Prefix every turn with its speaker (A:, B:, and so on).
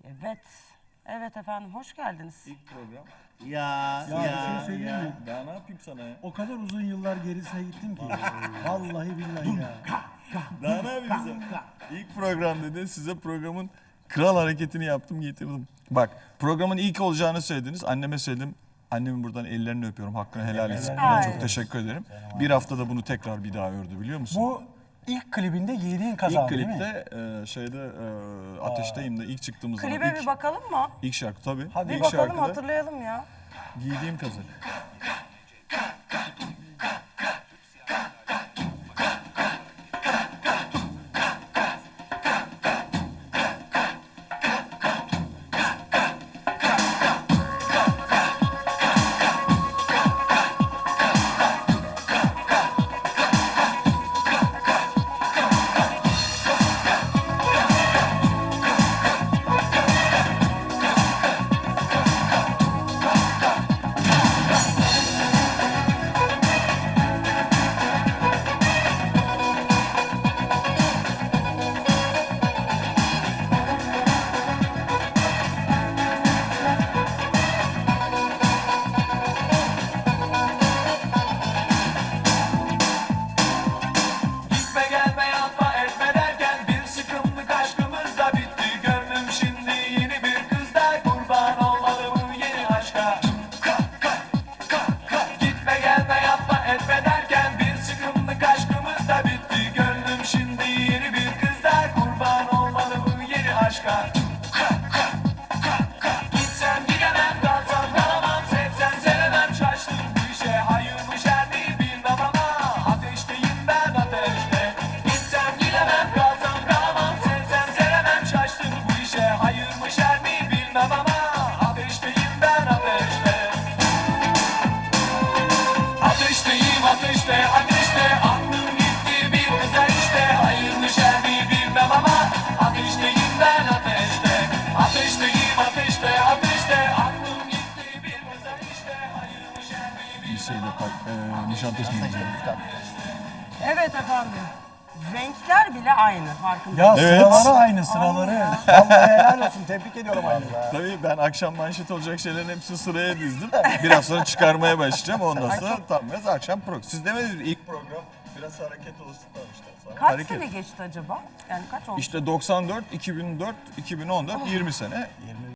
A: Evet. Evet efendim, hoş geldiniz.
B: İlk program.
C: Ya bir şey söyleyeyim mi?
B: Daha ne yapayım sana ya?
C: O kadar uzun yıllar gerisine gittim ki. Vallahi billahi ya.
B: Daha ne yapayım sana? İlk program dedi. Size programın kral hareketini yaptım, getirdim. Bak, programın ilk olacağını söylediniz. Anneme söyledim. Annemin buradan ellerini öpüyorum. Hakkını helal etsin.
A: Ay.
B: Çok teşekkür ederim. Bir haftada bunu tekrar bir daha ördü, biliyor musun?
C: Bu ilk klibinde giydiğin kazan
B: İlk
C: değil mi?
B: klipte Ateşteyim de ilk çıktığımız zaman
A: Klibe bir bakalım mı?
B: ilk şarkı tabii.
C: Hadi
A: Bir
B: ilk
A: bakalım,
B: şarkıda
A: hatırlayalım ya.
B: giydiğim kazak.
D: Gitme gelme yapma etme derken bir sıkımlık aşkımız da bitti. Gönlüm şimdi yeni bir kızda kurban olmalı bu yeni aşka. Gitme gelme yapma etme derken bir sıkımlık aşkımız da bitti. Gönlüm şimdi yeni bir kızda kurban olmalı bu yeni aşka. Gitsem gidemem, kalsam kalamam, sevsem sevemem, şaştım bu işe. Hayır mı şer mi bilmem ama ateşteyim ben ateşte. Gitsem gidemem, kalsam kalamam, sevsem sevemem, şaştım bu işe. Hayır mı şer mi bilmem ama ateşteyim ben ateşte. Ateşteyim ateşte ateşte, aklım gitti bir güzel işte. Hayır mı şer mi bilmem ama ateşteyim ben ateşte. Ateşteyim ateşte ateşte, aklım gitti bir güzel işte. Hayır mı şer mi
B: Liseyle Nişantaşı'nda.
A: Evet efendim. Renkler bile aynı, farkında.
C: Ya
B: Evet.
C: sıraları aynı sıraları. Vallahi helal olsun. Tebrik ediyorum anne.
B: Tabii ben akşam manşet olacak şeylerin hepsini sıraya dizdim. Biraz sonra çıkarmaya başlayacağım. Ondan sonra tam biraz akşam program. Siz demediniz mi? İlk program biraz hareket olsun işte. Sonra
A: Kaç
B: hareket.
A: sene geçti acaba? Yani kaç oldu?
B: İşte 94, 2004, 2014, 20 sene.